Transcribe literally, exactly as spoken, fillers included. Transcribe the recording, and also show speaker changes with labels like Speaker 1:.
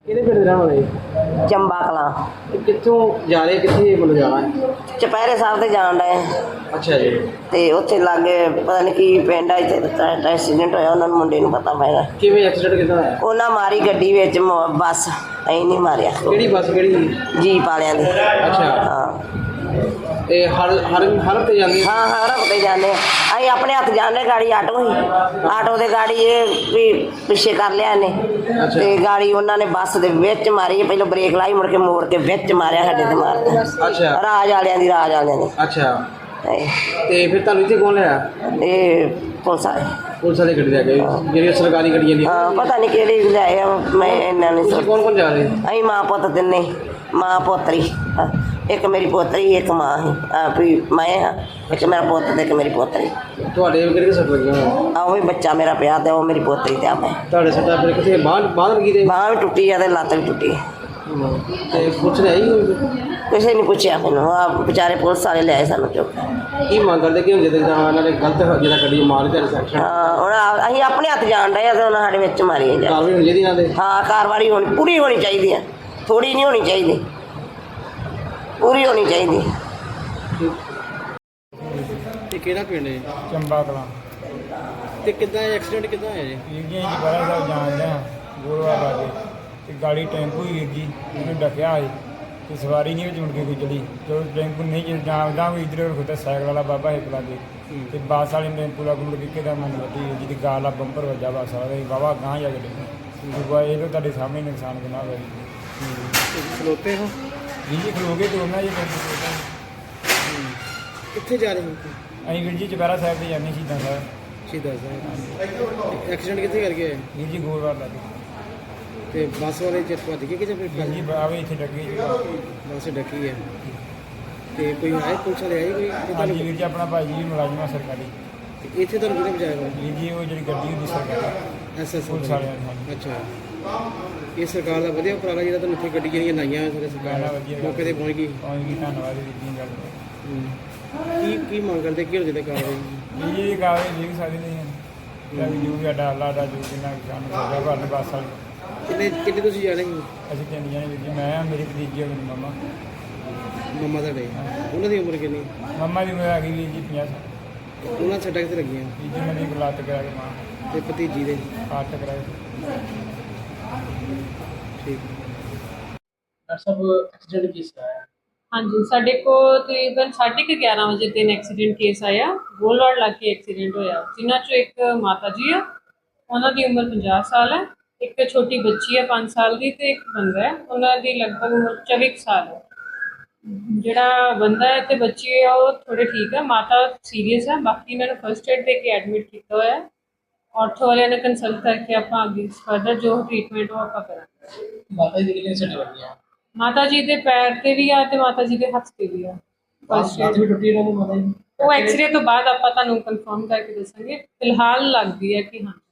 Speaker 1: ਕਿਹੜੇ ਪਿੰਡ ਦੇ ਰਹਿਣ ਵਾਲੇ?
Speaker 2: ਚੰਬਾ ਕਲਾਂ।
Speaker 1: ਇਹ ਕਿੱਥੋਂ ਜਾ ਰਹੇ, ਕਿੱਥੇ ਮਤਲਬ ਜਾਣਾ ਹੈ?
Speaker 2: ਚੁਪਹਿਰੇ ਸਾਹਿਬ ਤੇ ਜਾਣ ਡਏ
Speaker 1: ਅੱਛਾ ਜੀ।
Speaker 2: ਤੇ ਉੱਥੇ ਲਾਗੇ ਪਤਾ ਨਹੀਂ ਕੀ ਪਿੰਡ ਆ, ਇੱਥੇ ਐਕਸੀਡੈਂਟ ਹੋਇਆ, ਉਹਨਾਂ ਨੂੰ ਮੁੰਡੇ ਨੂੰ ਪਤਾ ਪੈਗਾ।
Speaker 1: ਕਿਵੇਂ ਐਕਸੀਡੈਂਟ ਕਿੱਦਾਂ ਹੋਇਆ?
Speaker 2: ਉਹਨਾਂ ਮਾਰੀ ਗੱਡੀ ਵਿੱਚ ਮ- ਬੱਸ, ਅਸੀਂ ਨਹੀਂ ਮਾਰਿਆ।
Speaker 1: ਕਿਹੜੀ ਬੱਸ ਕਿਹੜੀ?
Speaker 2: ਜੀਪ ਵਾਲਿਆਂ ਦੀ।
Speaker 1: ਅੱਛਾ।
Speaker 2: ਹਾਂ
Speaker 1: ਇਹ ਹਰ ਹਰ ਹਰ ਤੇ ਜਾਂਦੀ ਹੈ?
Speaker 2: ਹਾਂ ਹਾਂ ਰੁਕਦੇ ਜਾਂਦੇ ਅਸੀਂ ਆਪਣੇ ਹੱਥ ਜਾਂਦੇ, ਗਾੜੀ ਆਟੋ ਹੀ ਆਟੋ ਦੇ ਗਾੜੀ ਇਹ ਵੀ ਪਿੱਛੇ ਕਰ ਲਿਆ ਇਹਨੇ ਤੇ ਗਾੜੀ ਉਹਨਾਂ ਨੇ ਬੱਸ ਦੇ ਵਿੱਚ ਮਾਰੀ। ਪਹਿਲਾਂ ਬ੍ਰੇਕ ਲਾਈ, ਮੁੜ ਕੇ ਮੋੜ ਕੇ ਵਿੱਚ ਮਾਰਿਆ, ਸਾਡੇ ਤੇ ਮਾਰਦਾ।
Speaker 1: ਅੱਛਾ।
Speaker 2: ਰਾਜ ਵਾਲਿਆਂ ਦੀ ਰਾਜ ਵਾਲਿਆਂ ਦੀ।
Speaker 1: ਅੱਛਾ।
Speaker 2: ਇਹ
Speaker 1: ਤੇ ਫਿਰ ਤੁਹਾਨੂੰ ਇੱਥੇ ਕੌਣ ਲਿਆ?
Speaker 2: ਇਹ ਪੁਲਿਸ ਵਾਲੇ
Speaker 1: ਪੁਲਿਸ ਵਾਲੇ ਗੱਡੀ ਲੈ ਗਏ, ਜਿਹੜੀ ਸਰਕਾਰੀ ਗੱਡੀਆਂ ਦੀ?
Speaker 2: ਹਾਂ ਪਤਾ ਨਹੀਂ ਕਿਹੜੀ ਲਿਆਏ ਆ, ਮੈਂ ਇਹਨਾਂ ਨੇ
Speaker 1: ਤੁਸੀਂ ਕੌਣ ਕੌਣ ਜਾ ਰਹੇ?
Speaker 2: ਅਸੀਂ ਮਾਂ ਪੁੱਤ ਤਿੰਨੇ, ਮਾਂ ਪੋਤਰੀ, ਹਾਂ, ਇੱਕ ਮੇਰੀ ਪੋਤਰੀ, ਇੱਕ ਮਾਂ ਸੀ, ਆ ਵੀ ਮੈਂ ਹਾਂ, ਇੱਕ ਮੇਰਾ ਪੁੱਤ ਤੇ ਇੱਕ ਮੇਰੀ ਪੋਤਰੀ।
Speaker 1: ਤੁਹਾਡੇ ਕਿਹੜੇ ਸੱਟ ਲੱਗੀਆਂ?
Speaker 2: ਆ ਉਹ ਵੀ ਬੱਚਾ ਮੇਰਾ ਪਿਆ ਤੇ ਉਹ ਮੇਰੀ ਪੋਤਰੀ ਤੇ ਆ ਮੈਂ।
Speaker 1: ਤੁਹਾਡੇ ਸੱਟਾਂ ਫਿਰ ਕਿੱਥੇ? ਬਾਹਰ ਬਾਹਰ ਲੱਗੀ ਤੇ?
Speaker 2: ਬਾਂਹ ਵੀ ਟੁੱਟੀ ਆ ਤੇ ਲੱਤ ਵੀ ਟੁੱਟੀ।
Speaker 1: ਤੇ ਪੁਲਿਸ ਨੇ ਆਈ ਹੋਈ?
Speaker 2: ਕਿਸੇ ਨੇ ਪੁੱਛਿਆ ਮੈਨੂੰ, ਆ ਵਿਚਾਰੇ ਪੁਲਿਸ ਵਾਲੇ ਲਿਆਏ ਸਾਨੂੰ ਚੁੱਕ।
Speaker 1: ਕੀ ਮੰਗ ਕਰਦੇ ਕਿ ਹੁਣ ਜਦੋਂ ਇਹਨਾਂ ਨੇ ਗਲਤ ਜਿਹੜਾ ਗੱਡੀ ਮਾਰ ਕੇ ਸੈਕਸ਼ਨ
Speaker 2: ਹਾਂ ਹੁਣ ਆ- ਅਸੀਂ ਆਪਣੇ ਹੱਥ ਜਾਣ ਡਏ ਆ ਤੇ ਉਹਨਾਂ ਸਾਡੇ ਵਿੱਚ ਮਾਰੀ ਜਾ।
Speaker 1: ਕਾਰਵਾਈ ਹੋਣੀ ਚਾਹੀਦੀ ਇਹਨਾਂ ਦੇ?
Speaker 2: ਹਾਂ ਕਾਰਵਾਈ ਹੋਣੀ, ਪੂਰੀ ਹੋਣੀ ਚਾਹੀਦੀ ਆ, ਥੋੜੀ ਨਹੀਂ ਹੋਣੀ ਚਾਹੀਦੀ, ਪੂਰੀ ਹੋਣੀ ਚਾਹੀਦੀ।
Speaker 1: ਇਹ ਕਿਹੜਾ ਪਿੰਡ ਹੈ?
Speaker 3: ਚੰਬਾ ਕਲਾਂ।
Speaker 1: ਤੇ ਕਿੱਦਾਂ ਐਕਸੀਡੈਂਟ ਕਿੱਦਾਂ ਹੋਇਆ ਜੀ?
Speaker 3: ਵੀਰ ਜੀ ਅਸੀਂ ਬੜਾ ਸਾਹਿਬ ਜਾਣਦੇ ਹਾਂ ਗੋਲਵਾਲ ਲਾਗੇ ਤੇ ਗਾੜੀ ਟੈਂਪੂ ਹੀ ਵੀਰ ਜੀ ਉਹਨੂੰ ਡੱਕਿਆ ਸੀ ਤੇ ਸਵਾਰੀ ਨਹੀਂ ਵਿੱਚ ਮੁੜ ਕੇ ਕੋਈ ਚੜੀ। ਜਦੋਂ ਟੈਂਪੂ ਨਹੀਂ ਚੱਲ ਜਾਂਦਾ ਕੋਈ ਇੱਧਰ ਖੁਦਾ ਸਾਈਕਲ ਵਾਲਾ ਬਾਬਾ ਇੱਕ ਲਾਗੇ ਤੇ ਬੱਸ ਵਾਲੇ ਨੇ ਟੈਂਪੂ ਲੱਗ ਮੁੜ ਕੇ ਕਿਹਦਾ ਮਨ ਵੱਡੀ ਜਿਹਦੀ ਗਾਲ ਆ ਬੰਪਰ ਵੱਜਾ ਬੱਸ ਵਾਲਾ ਤੇ ਬਾਬਾ ਗਾਂਹ ਜਾ ਕੇ ਡਿੱਗਾ। ਇਹ ਤਾਂ ਤੁਹਾਡੇ ਸਾਹਮਣੇ ਨੁਕਸਾਨ ਕਿੰਨਾ ਹੋਇਆ ਜੀ।
Speaker 1: ਖਲੋਤੇ ਹੋ?
Speaker 3: ਵੀਰ ਜੀ ਖਲੋਗੇ ਤੇ ਉਹਨਾਂ ਜੀ ਟੈਂਪੂ
Speaker 1: ਕਿੱਥੇ ਜਾ ਰਹੇ ਹੋ?
Speaker 3: ਅਸੀਂ ਵੀਰ ਜੀ ਚੁਪਹਿਰਾ ਸਾਹਿਬ ਤੇ ਜਾਂਦੇ ਸ਼ਹੀਦਾਂ ਸਾਹਿਬ।
Speaker 1: ਸ਼ਹੀਦਾਂ ਸਾਹਿਬ। ਐਕਸੀਡੈਂਟ ਕਿੱਥੇ ਕਰ ਗਿਆ?
Speaker 3: ਵੀਰ ਜੀ ਗੋਲਵਾਲ ਲਾਗੇ।
Speaker 1: ਤੇ ਬੱਸ ਵਾਲੇ ਚ ਭੱਜ ਗਏ ਕਿ ਜਾਂ ਫਿਰ
Speaker 3: ਵੀਰ ਜੀ ਆਵੇ ਇੱਥੇ ਡੱਕੀ ਜੀ।
Speaker 1: ਬੱਸ ਡੱਕੀ ਹੈ? ਤੇ ਕੋਈ ਆਏ ਪੁਲਿਸ ਵਾਲੇ ਆਏ ਕੋਈ? ਤੇ
Speaker 3: ਹਾਂਜੀ
Speaker 1: ਤੁਹਾਨੂੰ
Speaker 3: ਵੀਰ ਜੀ ਆਪਣਾ ਭਾਈ ਜੀ ਮੁਲਾਜ਼ਮ ਆ ਸਰਕਾਰੀ।
Speaker 1: ਤੇ ਇੱਥੇ ਤੁਹਾਨੂੰ ਕਿਹਨੇ ਬਚਾਇਆ?
Speaker 3: ਵੀਰ ਜੀ ਉਹ ਜਿਹੜੀ ਗੱਡੀ ਹੁੰਦੀ ਸਰਕਾਰੀ
Speaker 1: ਐਸ ਐਸ
Speaker 3: ਪੁਲਿਸ ਵਾਲਿਆਂ ਨੇ ਹਾਂਜੀ।
Speaker 1: ਅੱਛਾ। ਇਹ ਸਰਕਾਰ ਦਾ ਵਧੀਆ ਉਪਰਾਲਾ ਜਿਹੜਾ ਤੁਹਾਨੂੰ ਇੱਥੇ ਗੱਡੀ ਜਿਹੜੀਆਂ ਲਾਈਆਂ ਸਾਰੇ ਸਰਕਾਰ
Speaker 3: ਬੜਾ ਵਧੀਆ ਗੱਲ।
Speaker 1: ਮੌਕੇ ਤੇ ਪਹੁੰਚ ਗਈ।
Speaker 3: ਪਹੁੰਚ ਗਈ, ਧੰਨਵਾਦ ਵੀਰ ਜੀ ਗੱਲ।
Speaker 1: ਕੀ ਕੀ ਮੰਗ ਕਰਦੇ ਕੀ ਹੋ ਜਿਹਦੇ ਕਾਰਵਾਈ?
Speaker 3: ਵੀਰ ਜੀ ਇਹ ਕਾਗਜ਼ ਲਿਖ ਸਕਦੇ ਨਹੀਂ ਹਨ ਜਾਂ ਵੀ ਜੋ ਵੀ ਸਾਡਾ ਅੱਲਾ ਦਾ ਜੋ ਕਿੰਨਾ ਸਾਨੂੰ ਸਜ਼ਾ ਭਰਨ ਬੱਸ ਵਾਲੀ।
Speaker 1: ਕਿੰਨੇ ਕਿੰਨੇ ਤੁਸੀਂ ਜਾਣੇ ਸੀ?
Speaker 3: ਅਸੀਂ ਤਿੰਨ ਜਣੇ ਵੀਰ ਜੀ, ਮੈਂ ਮੇਰੀ ਭਤੀਜੀ ਆ, ਮੇਰੀ ਮੰਮਾ।
Speaker 1: ਮੰਮਾ ਤੁਹਾਡੇ ਉਹਨਾਂ ਦੀ ਉਮਰ ਕਿੰਨੀ?
Speaker 3: ਮੰਮਾ ਦੀ ਉਮਰ ਹੈਗੀ ਵੀਰ ਜੀ ਪੰਜਾਹ ਸਾਲ।
Speaker 1: ਉਹਨਾਂ ਸੱਟਾਂ ਕਿੱਥੇ ਲੱਗੀਆਂ?
Speaker 3: ਵੀਰ ਜੀ ਮੇਰੀ ਇੱਕ ਲੱਤ ਕਰਾ ਕੇ ਮਾਂ
Speaker 1: ਤੇ ਭਤੀਜੀ ਦੇ?
Speaker 3: ਅੱਠ ਕਰਾ ਕੇ।
Speaker 1: ਠੀਕ। ਡਾਕਟਰ ਸਾਹਿਬ ਐਕਸੀਡੈਂਟ ਕਿਸ ਦਾ ਹੈ?
Speaker 4: ਹਾਂਜੀ ਸਾਡੇ ਕੋਲ ਤਕਰੀਬਨ ਸਾਢੇ ਕੁ ਗਿਆਰਾਂ ਵਜੇ ਤਿੰਨ ਐਕਸੀਡੈਂਟ ਕੇਸ ਆਇਆ। ਗੋਲਵਾਲ ਲਾਗੇ ਐਕਸੀਡੈਂਟ ਹੋਇਆ, ਜਿਨ੍ਹਾਂ ਚੋਂ ਇੱਕ ਮਾਤਾ ਜੀ ਆ, ਉਹਨਾਂ ਦੀ ਉਮਰ ਪੰਜਾਹ ਸਾਲ ਹੈ, ਇੱਕ ਛੋਟੀ ਬੱਚੀ ਹੈ ਪੰਜ ਸਾਲ ਦੀ ਤੇ ਇੱਕ ਬੰਦਾ ਹੈ, ਉਹਨਾਂ ਦੀ ਲਗਭਗ ਉਮਰ ਚੌਵੀ ਕੁ ਸਾਲ ਹੈ। ਜਿਹੜਾ ਬੰਦਾ ਹੈ ਤੇ ਬੱਚੀ ਹੈ ਉਹ ਥੋੜੇ ਠੀਕ ਹੈ, ਮਾਤਾ ਸੀਰੀਅਸ ਹੈ। ਬਾਕੀ ਇਹਨਾਂ ਨੂੰ ਫਸਟ ਏਡ ਦੇ ਕੇ ਐਡਮਿਟ ਕੀਤਾ ਹੋਇਆ ਹੈ। ਆਰਥੋ ਵਾਲਿਆਂ ਨੇ ਕੰਸਲਟ ਕਰਕੇ ਆਪਾਂ ਅੱਗੇ ਫਰਦਰ ਜੋ ਟ੍ਰੀਟਮੈਂਟ ਉਹ ਆਪਾਂ ਕਰਾਂਗੇ।
Speaker 1: ਮਾਤਾ ਜੀ ਕਿੰਨੇ ਸੱਟ ਲੱਗੀਆਂ?
Speaker 4: ਮਾਤਾ ਜੀ ਦੇ ਪੈਰ ਤੇ ਵੀ ਆ ਤੇ ਮਾਤਾ ਜੀ ਦੇ ਹੱਥ ਤੇ ਵੀ ਆ। ਫਸਟ ਏਡ
Speaker 1: ਵੀ ਟੁੱਟੀ ਉਹਨਾਂ ਦੀ ਮਾਤਾ ਜੀ?
Speaker 4: ਉਹ ਐਕਸਰੇ ਤੋਂ ਬਾਅਦ ਆਪਾਂ ਤੁਹਾਨੂੰ ਕਨਫਰਮ ਕਰਕੇ ਦੱਸਾਂਗੇ। ਫਿਲਹਾਲ ਲੱਗਦੀ ਹੈ ਕਿ ਹਾਂ।